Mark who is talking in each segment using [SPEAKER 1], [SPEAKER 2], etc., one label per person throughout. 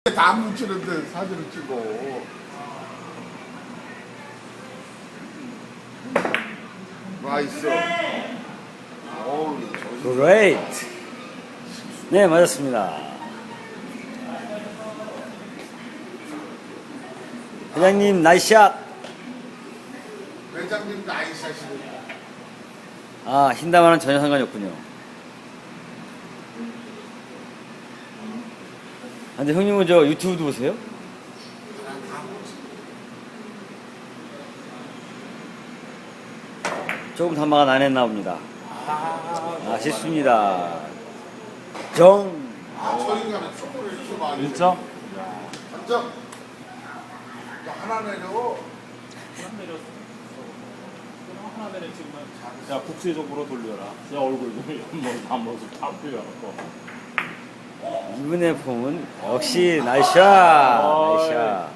[SPEAKER 1] 다 뭉치는데 사진을 찍어. 맛있어. 어우,
[SPEAKER 2] Great. 네, 맞았습니다. 회장님 나이스샷.
[SPEAKER 1] 회장님 나이샷이네.
[SPEAKER 2] 아, 흰다마는 전혀 상관이 없군요. 아, 근데 형님은 저 유튜브도 보세요? 조금 단마가 난했나 봅니다. 아쉽습니다. 정.
[SPEAKER 1] 저 인간은 축구를 이렇게 많이.
[SPEAKER 3] 1점?
[SPEAKER 1] 한점. 하나 내려.
[SPEAKER 3] 하나 내렸지만 야 국세적으로 돌려라. 야 얼굴 한 모습 다 풀려갖고.
[SPEAKER 2] 이분의 폼은 역시 나이스샷. 나이스샷.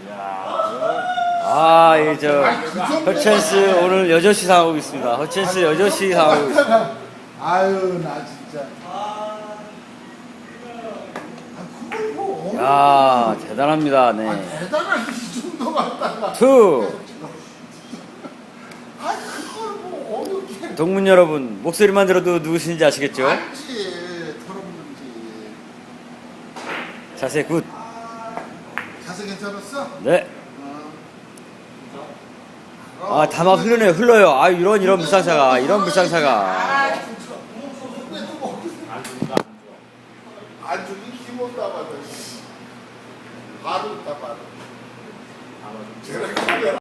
[SPEAKER 2] 아, 이 저 허첸스 오늘 여럿이 상하고 있습니다. 허첸스 여럿이 상하고 있습니다.
[SPEAKER 1] 아유, 나 진짜. 그걸 뭐.
[SPEAKER 2] 야, 대단합니다. 네.
[SPEAKER 1] 대단한 이 정도 갖다가.
[SPEAKER 2] 투.
[SPEAKER 1] 그걸 뭐 어떻게.
[SPEAKER 2] 동문 여러분, 목소리만 들어도 누구신지 아시겠죠?
[SPEAKER 1] 알지. 털어보는지.
[SPEAKER 2] 자세 굿.
[SPEAKER 1] 자세 괜찮았어?
[SPEAKER 2] 네. 아, 다막 흘러요. 아, 이런 불상사가.